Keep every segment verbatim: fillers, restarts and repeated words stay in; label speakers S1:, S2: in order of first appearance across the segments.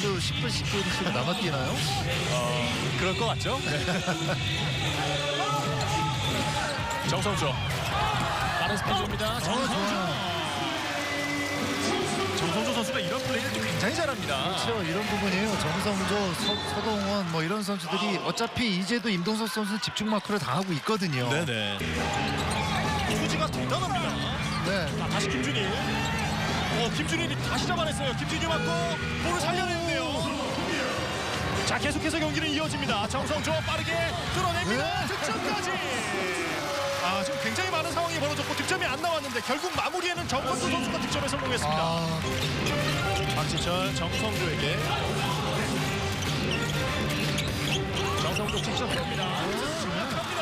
S1: 또 십 분, 십 분씩 남아 뛰나요?
S2: 어, 그럴 것 같죠? 네. 정성조 빠른 스피드입니다. 정성조. 정성조 선수가 이런 플레이를 또 굉장히 잘합니다.
S1: 그렇죠. 이런 부분이에요. 정성조, 서, 서동원 뭐 이런 선수들이 어차피 이제도 임동석 선수는 집중 마크를 당하고 있거든요.
S2: 네네. 투지가 대단합니다.
S1: 네.
S2: 자, 다시 김준일. 어, 김준일이 다시 잡아냈어요. 김준일 맞고 볼을 살려냈네요. 자, 계속해서 경기는 이어집니다. 정성조 빠르게 뚫어냅니다.
S1: 네.
S2: 득점까지. 아, 지금 굉장히 많은 상황이 벌어졌고 득점이 안 나왔는데 결국 마무리에는 정성조 선수가 득점에 성공했습니다.
S1: 아,
S2: 박지철 정성조에게 정성조 직접 됩니다. 득점합니다.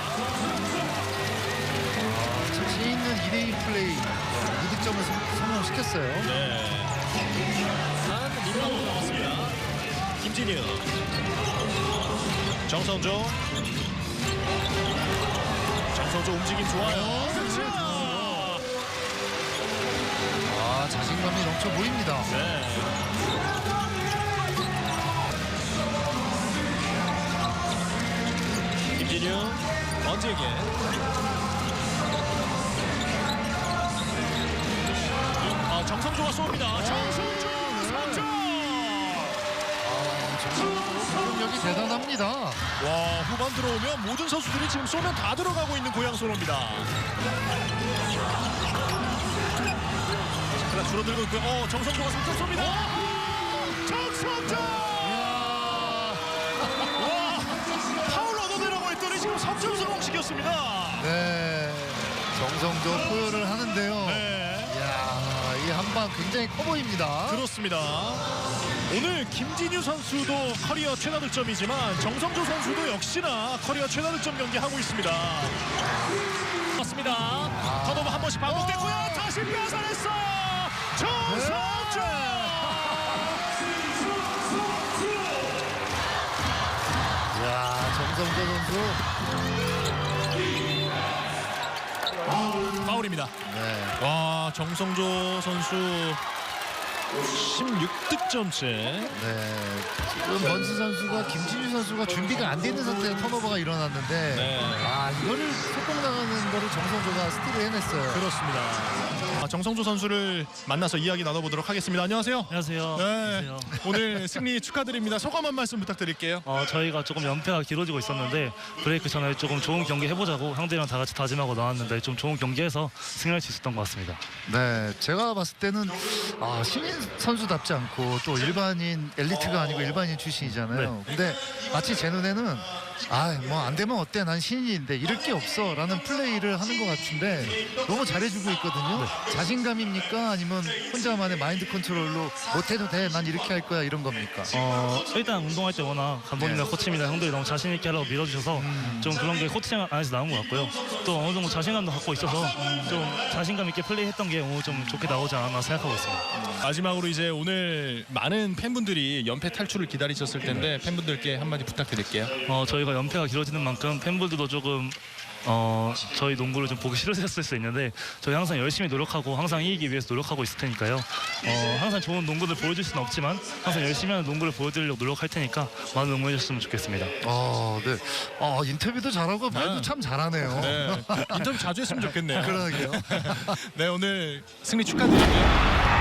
S1: 자신 있는 이 대 일 플레이 이 득점을 성- 성공시켰어요.
S2: 네. 한 림라고 나왔습니다. 김진유. 정성조. 정성조 움직임 좋아요.
S1: 아, 자신감이 넘쳐 보입니다.
S2: 네. 김진유. 언제게. 아, 정성조가 쏩니다. 정성조 삼 점.
S1: 공격력이 대단합니다.
S2: 와, 후반 들어오면 모든 선수들이 지금 쏘면 다 들어가고 있는 고양소로입니다. 자, 그럼 줄어들고 있고요. 어, 정성조가 삼 점 쏩니다. 정성조! 와, 파울 얻어내라고 했더니 지금 삼 점 성공시켰습니다.
S1: 네, 정성조 포효를 하는데요.
S2: 네,
S1: 이야, 이 한 방 굉장히 커 보입니다.
S2: 그렇습니다. 오늘 김진유 선수도 커리어 최다 득점이지만 정성조 선수도 역시나 커리어 최다 득점 경기 하고 있습니다. 맞습니다.
S1: 아.
S2: 턴오버 한 번씩 반복됐고요. 다시 뺏어냈어. 정성조.
S1: 이야, 정성조 선수.
S2: 파울입니다.
S1: 네.
S2: 와, 정성조 선수 십육 득점째.
S1: 네, 지금 번스 선수가 김진유 선수가 준비가 안 되는 상태에서 턴오버가 일어났는데
S2: 네.
S1: 아, 이거를 속공 나가는 거를 정성조가 스틸을 해냈어요.
S2: 그렇습니다. 아, 정성조 선수를 만나서 이야기 나눠보도록 하겠습니다. 안녕하세요.
S3: 안녕하세요.
S2: 네.
S3: 안녕하세요.
S2: 오늘 승리 축하드립니다. 소감 한 말씀 부탁드릴게요.
S3: 어, 저희가 조금 연패가 길어지고 있었는데 브레이크 전에 조금 좋은 경기 해보자고 형들이랑 다 같이 다짐하고 나왔는데 좀 좋은 경기해서 승리할 수 있었던 것 같습니다.
S1: 네, 제가 봤을 때는 아, 신인 선수답지 않고 또 일반인 엘리트가 아니고 일반인 출신이잖아요. 근데 마치 제 눈에는 아, 뭐 안 되면 어때? 난 신인인데 이럴 게 없어 라는 플레이를 하는 것 같은데 너무 잘해주고 있거든요. 자신감입니까? 아니면 혼자만의 마인드 컨트롤로 못해도 돼, 난 이렇게 할 거야, 이런 겁니까?
S3: 어, 일단 운동할 때 워낙 감독님이나
S1: 네.
S3: 코치님이나 형들이 너무 자신 있게 하라고 밀어주셔서 좀 그런 게 코칭 안에서 나온 것 같고요. 또 어느 정도 자신감도 갖고 있어서 좀 자신감 있게 플레이했던 게 오늘 좀 좋게 나오지 않았나 생각하고 있습니다.
S2: 마지막으로 이제 오늘 많은 팬분들이 연패 탈출을 기다리셨을 텐데 팬분들께 한마디 부탁드릴게요.
S3: 어, 저희가 연패가 길어지는 만큼 팬분들도 조금 어, 저희 농구를 좀 보기 싫으셨을 수 있는데 저희 항상 열심히 노력하고 항상 이기기 위해서 노력하고 있을 테니까요. 어, 항상 좋은 농구를 보여줄 수는 없지만 항상 열심히 하는 농구를 보여드리려고 노력할 테니까 많은 응원해 주셨으면 좋겠습니다.
S1: 아, 네. 아, 인터뷰도 잘하고 말도
S2: 네.
S1: 참 잘하네요.
S2: 네, 인터뷰 자주 했으면 좋겠네요.
S1: 그러게요.
S2: 네, 오늘 승리 축하드리고요.